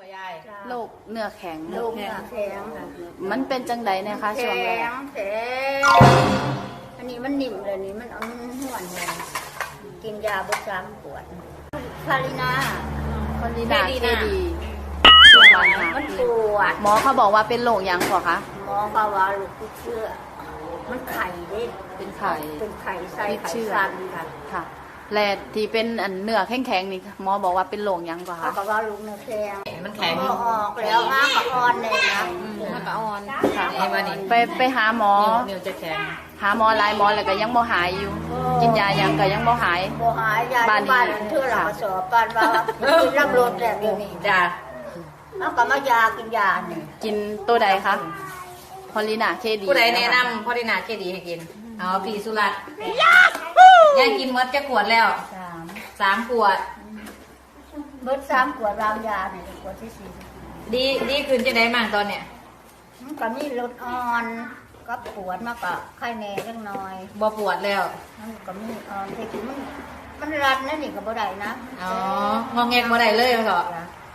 บ่ยายโรคเนื้อแข็งโรคเนื้อแข็งค่ะมันเป็นจังใดนะคะช่วงแรกแข็งอันนี้มันนิ่มเลยนี่มันเอาห่วนเลยกินยาประจำปวดคารินาคนดีนาเคดีมันปวดหมอเขาบอกว่าเป็นโรคหยังก่อคะหมอเขาว่าลูกติดเชื้อมันไข่เด้เป็นไข่เป็นไข่ไส้ติดไข่เชื้อสั้นค่ะค่ะและที่เป็นอันเนื้อแข็งๆนี่หมอบอกว่าเป็นโรคหยังก่อเขาคะบอกว่าลูกเนื้อแข็งมันแข็งพอออกแล้วอ้างกับอ่อนเลยนะมันก็อ่อนค่ะไอ้วันนี้ไปหาหมอนิ้วจะแข็งหาหมอหลายหมอแล้วก็ยังบ่หายอยู่ กินยายังก็ยังบ่หายโบหายยาที่บ้านเทื่อหลังสอบกันว่ากินน้ำรดแบบนี้จ้าเอากลับมายากินยาเนี่ยกินตัวใดคะพอลีนาเคดีผู้ใดแนะนำพอดีนาเคดีให้กินเอาพี่สุรัตน์ยายกินมดจะขวดแล้ว 3 ขวดเบิด3 ขวดวางยาเนี่ยขวดที่ดีขึ้นจะได้มั่งตอนเนี้ย 4มันก็มีลดอ่อนก็ปวดมากกว่าไข้แน่เล็กน้อยบ่ปวดแล้วมันก็มีอ่อนแต่คือมันรัดนะนี่ก็บ่ได้นะอ๋องอแงกบ่ได้เลยเหรอ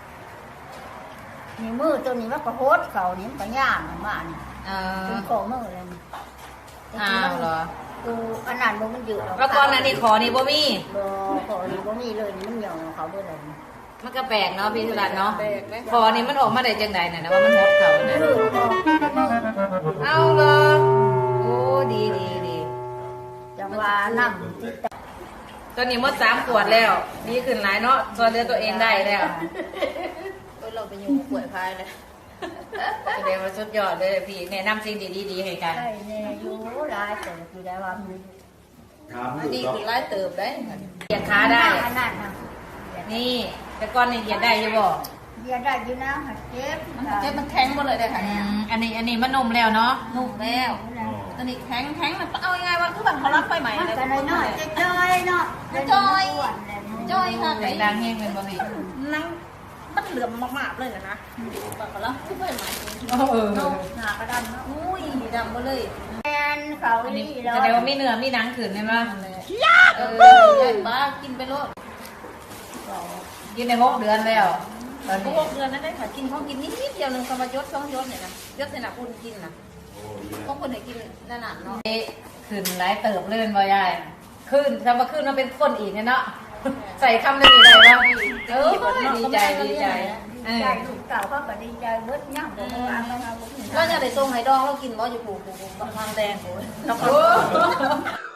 นี่มือตัวนี้มันก็โหดเขานี่มันก็ย่างมานี่เออเป็นโคมือเลยนี่อ้าวเหรอกูอันนั้นบ่มันอยู่แล้วก่อนหน้านี้ขอนี่บ่มีบ่ขอนี่บ่มีเลยนี่มันหย่อนเขาเบิดเลยมันก็แปลกเนาะพี่สุรัตน์เนาะขอนี่มันออกมาได้จังใดน่ะนะว่ามันฮดเขาน่ะมือออกเอาเลยโอ้ดีดีจังว่านั่งที่ตตอนนี้หมด3 ขวดแล้วดีขึ้นหลายเนาะช่วยเหลือตัวเองได้แล้วเราไปอยู่ป่วยพายเลยแสดงว่าสุดยอดเลยพี่แนะนำสิ่งดีๆให้กันใช่แน่อยู่หลายแต่คือได้ว่ามันดีคือไล่เติบได้เหยียดขาได้อันนั้นนะนี่แต่ก่อนนี่เหยียดได้อยู่บ่เดียได้อยู่นะหัดเจ็บมันแข็งหมดเลยค่ะเนี่ยอันนี้มันนุ่มแล้วเนาะนุ่มแล้วตอนนี้แข็งมันเอายังไงวะคือแบบเขารับไฟใหม่มันเลยก็น้อยๆจ้อยๆเนาะจ้อยจ้อยค่ะแรงดังแห้งเป็นบ่พี่นั่งมันเหลื่อมมากๆเลยนะแบบเขารับคือไฟใหม่เออหน้ากระดำเนาะอุ้ยดำหมดเลยแมนเขาอันนี้นี่แล้วแสดงว่ามีเนื้อมีหนังขึ้นใช่ไหมใหญ่บ้ากินไปโลดกินใน6 เดือนแล้วตอนพนี้วกเดือนนั้นได้ค่ะกินเขากินนิดเดียวนึงก็มายศ2 ยศเนี่ยนะยศในหนักคุณกินนะพวกคนไหนกินนั่นน่ะเนาะขึ้นหลายเติบเลยเป็นบ่ยายขึ้นถ้ามาขึ้นมาเป็นคนอีกเนี่ยเนาะใส่คำได้ดีได้บ่เออดีใจดีใจใจลูกเก่าเขาก็ดีใจเบิดย่างบ่วางกันเอาบ่เราจะได้ส่งให้ดองเรากินบ่อยู่ผูกบางแดงโอ้ยโอ้